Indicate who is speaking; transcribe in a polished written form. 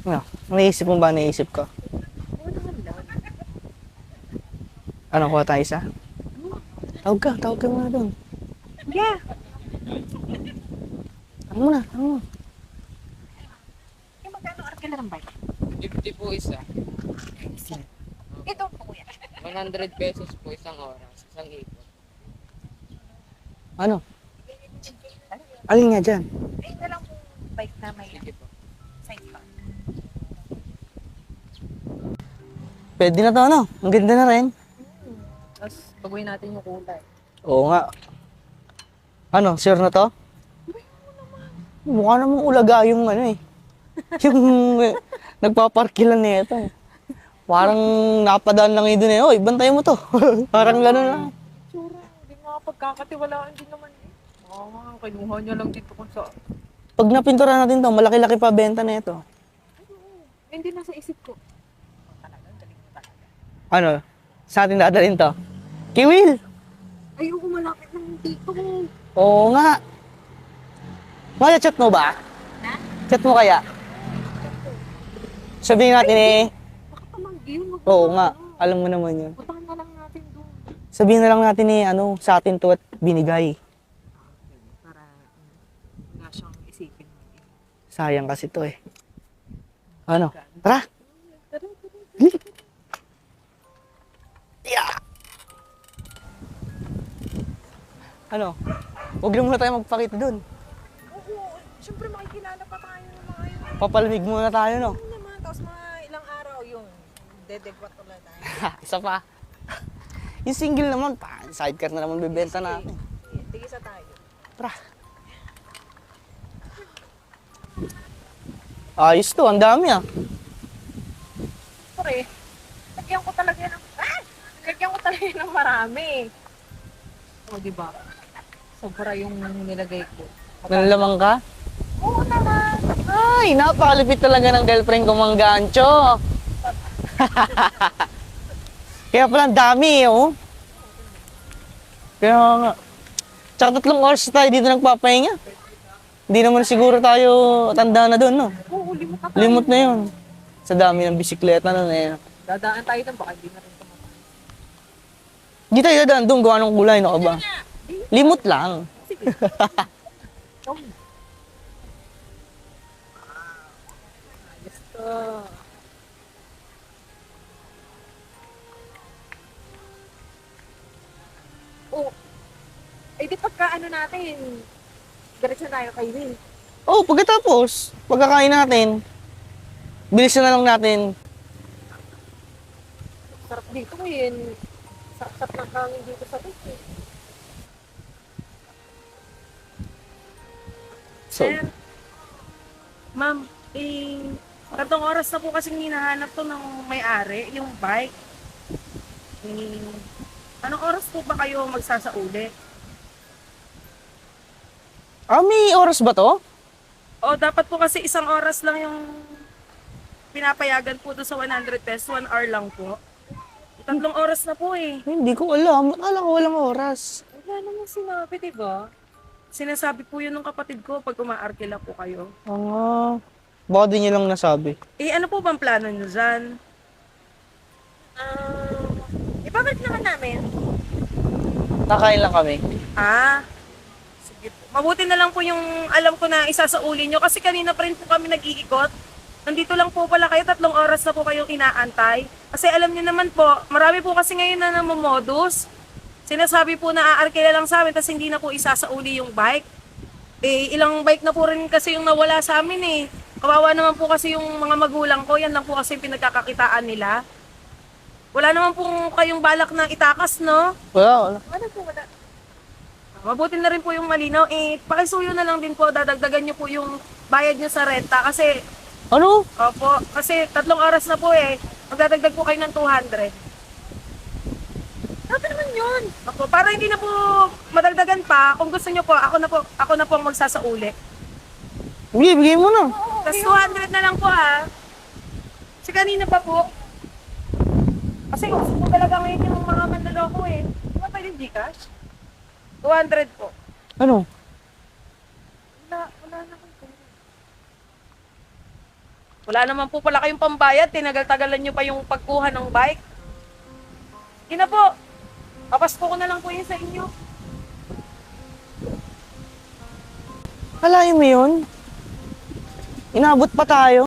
Speaker 1: Ano? Naisip mo ba naisip ko?
Speaker 2: Oo naman lang.
Speaker 1: Ano, kuha tayo isa? Tawag ka muna doon.
Speaker 2: Yeah.
Speaker 1: Ano muna, ano mo?
Speaker 2: Eh, magkano arkila ng bike?
Speaker 3: 50 po isa.
Speaker 2: Ito po kuya.
Speaker 3: 100 pesos po isang oras, isang ikot.
Speaker 1: Ano? Alin nga dyan?
Speaker 2: Eh, ito lang po bike na may
Speaker 3: Sige po.
Speaker 2: sidecar.
Speaker 1: Pwede na to, ano? Ang ganda na rin.
Speaker 2: Tapos, baguhin natin yung kulay.
Speaker 1: Oo nga. Ano, sure na to? Mukha namang ulaga yung ano eh. Yung nagpaparkilan na ito. Parang napadaan lang yun eh. Oy, bantay mo to. Parang gano'n lang.
Speaker 2: Tsura, hindi nga pagkakatiwalaan din naman eh. Kinuha niya lang dito kung saan.
Speaker 1: Pag napintura natin to, malaki-laki pa benta na ito.
Speaker 2: Hindi nasa isip ko. Talaga, galing mo talaga.
Speaker 1: Ano? Sa atin dadalhin to? Kiwil!
Speaker 2: Ayoko malapit ng dito.
Speaker 1: Oo nga. Kaya chat mo ba?
Speaker 2: Na?
Speaker 1: Chat mo kaya? Sabihin natin eh.
Speaker 2: Baka pamanggi yun.
Speaker 1: Oo nga. Alam mo naman yun.
Speaker 2: Puntahan na lang natin doon.
Speaker 1: Sabihin na lang natin eh, ano, sa atin to at binigay.
Speaker 2: Para wala siyang isipin.
Speaker 1: Sayang kasi to eh. Ano? Tara! Yeah! Ano? Huwag na muna tayo magpakita dun.
Speaker 2: Oo, siyempre makikilala pa tayo ng mga yun.
Speaker 1: Papalamig muna tayo, no?
Speaker 2: Ano naman, tapos mga ilang araw yun. Dedegwat ulit tayo.
Speaker 1: Isa pa. Yung single naman, sidecar na naman bibenta natin.
Speaker 2: Tigisa tayo.
Speaker 1: Tara. Ayos to, ang dami ah.
Speaker 2: Pre, lagyan ko talaga ng... Lagyan ko talaga ng marami. O, diba? Sobra yung nilagay ko.
Speaker 1: Nalalamang ka?
Speaker 2: Oo naman.
Speaker 1: Ay, napakalipit talaga ng girlfriend ko, Mang Gancho. Kaya pala ang dami eh, oh. Kaya nga. Tsaka 3 oras tayo dito nagpapahinga. Hindi naman siguro tayo tanda na doon, no?
Speaker 2: Oo, limot na tayo.
Speaker 1: Limot na yun. Sa dami ng bisikleta nun eh.
Speaker 2: Dadaan tayo ng baka hindi na rin tumatay.
Speaker 1: Hindi tayo dadaan doon, gawa ng kulay, no ka ba? Limot lang.
Speaker 2: Sige. Ikaw na. Ayos to. Oh, eh di pagka ano natin, diretso na tayo kay Will.
Speaker 1: Oh, pagkatapos, pagkakain natin, bilisan na lang natin.
Speaker 2: Sarap dito ngayon. Sarap ng hangin dito sa beach.
Speaker 1: So,
Speaker 4: Ma'am, 3 oras na po kasing hinahanap to ng may-ari, yung bike. Anong oras po ba kayo magsasauli?
Speaker 1: may oras ba to?
Speaker 4: O dapat po kasi 1 oras lang yung pinapayagan po doon sa 100 pesos, 1 hour lang po. 3 oras na po eh.
Speaker 1: Hindi ko alam. Akala ko walang oras.
Speaker 4: Wala namang sinabi, diba? Sinasabi po yun ng kapatid ko pag umaarkila po kayo.
Speaker 1: Baka di niya lang nasabi.
Speaker 4: Ano po bang plano nyo dyan?
Speaker 2: Ibabalik naman namin.
Speaker 1: Nakain lang kami.
Speaker 4: Sige po. Mabuti na lang po yung alam ko na isasauli nyo kasi kanina pa rin po kami nag-iikot. Nandito lang po pala kayo, 3 oras na po kayong inaantay. Kasi alam niyo naman po, marami po kasi ngayon na namomodus. Sinasabi po na aarkila lang sa amin tapos hindi na po isasauli yung bike. Ilang bike na po rin kasi yung nawala sa amin eh. Kawawa naman po kasi yung mga magulang ko, yan lang po kasi yung pinagkakakitaan nila. Wala naman po kayong balak na itakas, no?
Speaker 1: Wala.
Speaker 2: Ano po, wala.
Speaker 4: Mabuti na rin po yung malinaw. Pakisuyo na lang din po, dadagdagan nyo po yung bayad nyo sa renta. Kasi,
Speaker 1: Ano?
Speaker 4: opo, kasi 3 oras na po eh. Magdadagdag po kayo ng 200.
Speaker 2: Sabi naman yun.
Speaker 4: Opo, para hindi na po madagdagan pa, kung gusto nyo po, ako na po ang magsasauli.
Speaker 1: Bigay mo na.
Speaker 4: Tapos 200 na lang po ha. Kasi kanina pa po. Kasi gusto ko talaga ngayon yung mga manloloko eh. Di ba pwede Gcash? 200 po.
Speaker 1: Ano?
Speaker 2: Wala naman po.
Speaker 4: Wala naman po pala kayong pambayad, tinagal-tagalan nyo pa yung pagkuha ng bike. Sige na po, papasko ko na lang po yun sa inyo.
Speaker 1: Kalahin mo yun? Inabot pa tayo.